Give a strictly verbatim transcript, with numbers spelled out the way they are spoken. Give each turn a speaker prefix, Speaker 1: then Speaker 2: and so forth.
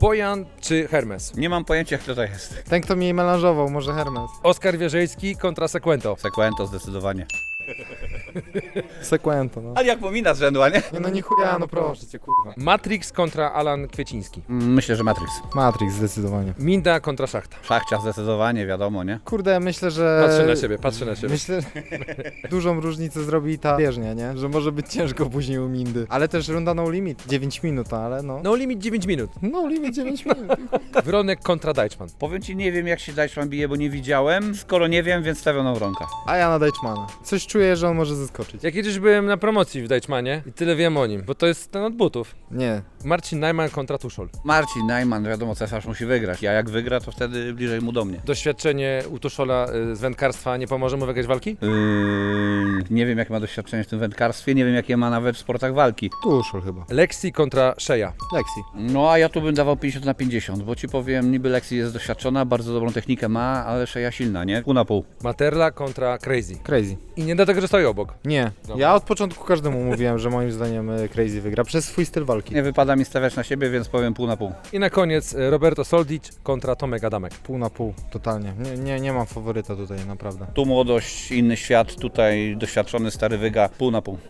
Speaker 1: Bojan czy Hermes?
Speaker 2: Nie mam pojęcia, kto to jest.
Speaker 3: Ten, kto mnie melanżował, może Hermes.
Speaker 1: Oskar Wierzejski kontra Sequento.
Speaker 2: Sequento zdecydowanie.
Speaker 3: Sequento, no.
Speaker 2: Ale jak pomina z rzędu, a nie?
Speaker 3: Nie no, nie chuja, no proszę cię, kurwa.
Speaker 1: Matrix kontra Alan Kwieciński.
Speaker 2: Myślę, że Matrix.
Speaker 3: Matrix, zdecydowanie.
Speaker 1: Minda kontra Szachta.
Speaker 2: Szachcia zdecydowanie, wiadomo, nie?
Speaker 3: Kurde, myślę, że...
Speaker 1: Patrzę na siebie, patrzę na siebie.
Speaker 3: Myślę, że dużą różnicę zrobi ta bieżnia, nie? Że może być ciężko później u Mindy. Ale też runda no limit. dziewięć minut, ale no.
Speaker 1: No limit dziewięć minut.
Speaker 3: No limit dziewięć minut.
Speaker 1: Wronek kontra Deichmann.
Speaker 2: Powiem ci, nie wiem jak się Deichmann bije, bo nie widziałem. Skoro nie wiem, więc stawiam na Wronka.
Speaker 3: A ja na Deichmana. Coś czuję, że on może zaskoczyć.
Speaker 1: Jak kiedyś byłem na promocji w Deichmanie i tyle wiem o nim, bo to jest ten od butów.
Speaker 3: Nie.
Speaker 1: Marcin Najman kontra Tuszol.
Speaker 2: Marcin Najman, wiadomo, cesarz musi wygrać. A jak wygra, to wtedy bliżej mu do mnie.
Speaker 1: Doświadczenie u Tuszola y, z wędkarstwa nie pomoże mu wygrać walki?
Speaker 2: Yy, nie wiem, jakie ma doświadczenie w tym wędkarstwie, nie wiem, jakie ma nawet w sportach walki.
Speaker 3: Tuszol chyba.
Speaker 1: Lexi kontra Shea.
Speaker 3: Lexi.
Speaker 2: No, a ja tu bym dawał pięćdziesiąt na pięćdziesiąt, bo ci powiem, niby Lexi jest doświadczona, bardzo dobrą technikę ma, ale Shea silna, nie? Pół na pół.
Speaker 1: Materla kontra Crazy.
Speaker 3: Crazy.
Speaker 1: I nie dlatego, że stoi obok.
Speaker 3: Nie.
Speaker 1: Dobra.
Speaker 3: Ja od początku każdemu mówiłem, że moim zdaniem e, Crazy wygra przez swój styl walki.
Speaker 2: Nie wypada mi stawiać na siebie, więc powiem pół na pół.
Speaker 1: I na koniec y, Roberto Soldic kontra Tomek Adamek.
Speaker 3: Pół na pół, totalnie. Nie, nie, nie mam faworyta tutaj, naprawdę.
Speaker 2: Tu młodość, inny świat, tutaj doświadczony stary wyga, pół na pół.